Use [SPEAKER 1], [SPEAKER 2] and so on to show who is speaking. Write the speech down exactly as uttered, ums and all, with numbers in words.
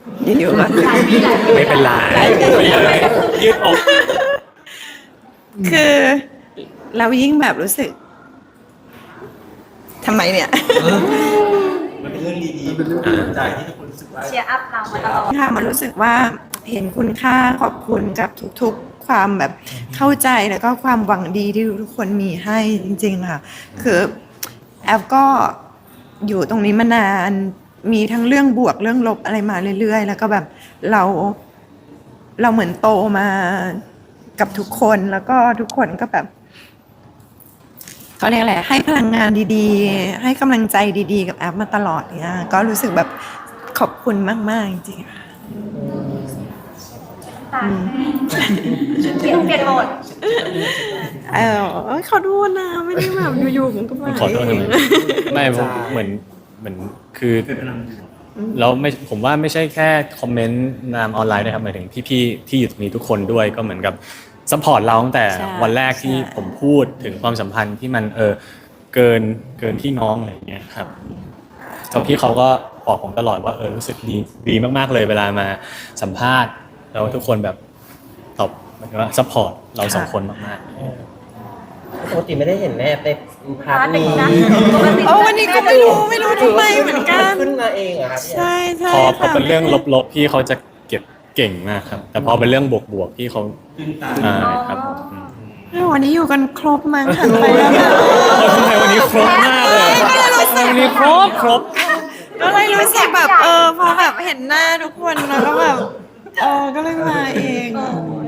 [SPEAKER 1] อยู่ๆก็
[SPEAKER 2] ไม่เป็นไรยืดอก
[SPEAKER 1] คือเรายิ่งแบบรู้สึกทำไมเนี่ย
[SPEAKER 3] มันเป็นเรื่องดีๆเป็นเรื่องดีใจที่ทุกคนรู้สึกว่า
[SPEAKER 4] เชียร์อัพเรามาตลอด
[SPEAKER 1] ค่ะมันรู้สึกว่าเห็นคุณค่าขอบคุณกับทุกๆความแบบเข้าใจแล้วก็ความหวังดีที่ทุกคนมีให้จริงๆค่ะคือแอฟก็อยู่ตรงนี้มานานมีทั้งเรื่องบวกเรื่องลบอะไรมาเรื่อยๆแล้วก็แบบเราเราเหมือนโตมากับทุกคนแล้วก็ทุกคนก็แบบเขาเรียกอะไรให้พลังงานดีๆให้กำลังใจดีๆกับแอฟมาตลอดเนี่ยก็รู้สึกแบบขอบคุณมากๆจริงๆค่ะ
[SPEAKER 4] ตาเปลี่ยนเปลี่ยนโหมด
[SPEAKER 1] เออเอ้ยขอโทษนะไม่ได้แบบอยู่ๆมันก็มา
[SPEAKER 2] ขอโทษ
[SPEAKER 1] เอ
[SPEAKER 2] ทำ
[SPEAKER 1] ง
[SPEAKER 2] ไมไม่ผมเหมือนเหมือนคือ
[SPEAKER 3] เป็นพลังบวก
[SPEAKER 2] แล้วไม่ผมว่าไม่ใช่แค่คอมเมนต์นามออนไลน์นะครับหมายถึงพี่ๆที่อยู่ตรงนี้ทุกคนด้วยก็เหมือนกับซัพพอร์ตเราตั้งแต่วันแรกที่ผมพูดถึงความสัมพันธ์ที่มันเออเกินเกินพี่น้องอะไรอย่างเงี้ยครับแล้วพี่เขาก็บอกผมตลอดว่าเออรู้สึกดีดีมากๆเลยเวลามาสัมภาษณ์แล้วทุกคนแบบตอบหมายถึงว่าซัพพอร์ตเราสองคนมากๆ
[SPEAKER 5] ปกติไม่ได้เห็นแม่ในพาร์ท
[SPEAKER 4] พาร์ทหนึ่
[SPEAKER 5] นี้
[SPEAKER 4] งนะปกติ
[SPEAKER 1] โอ้วันนี้ก็ไม่รู้ไม่รู้ทำไมเหมือนกัน
[SPEAKER 5] ขึ้นมาเองเหรอครับเนี่ย
[SPEAKER 1] ใช่ใช่
[SPEAKER 2] พอพอ
[SPEAKER 1] ค่ะ
[SPEAKER 2] เป็นเรื่องลบๆพี่เขาจะเก็บเก่งมากครับ แต่พอเป็นเรื่องบวกๆพี่เขา
[SPEAKER 3] ตื้นตา
[SPEAKER 2] อ่าครับอืม
[SPEAKER 1] เออวันนี้อยู่กันครบมั้งหันไปแล้วนะ
[SPEAKER 2] ทำไมวันนี้ครบมากเลยวันนี้ครบครบ
[SPEAKER 1] ก็เลยรู้สึกแบบเออพอแบบเห็นหน้าทุกคนแล้วก็แบบเออก็เลยมาเอง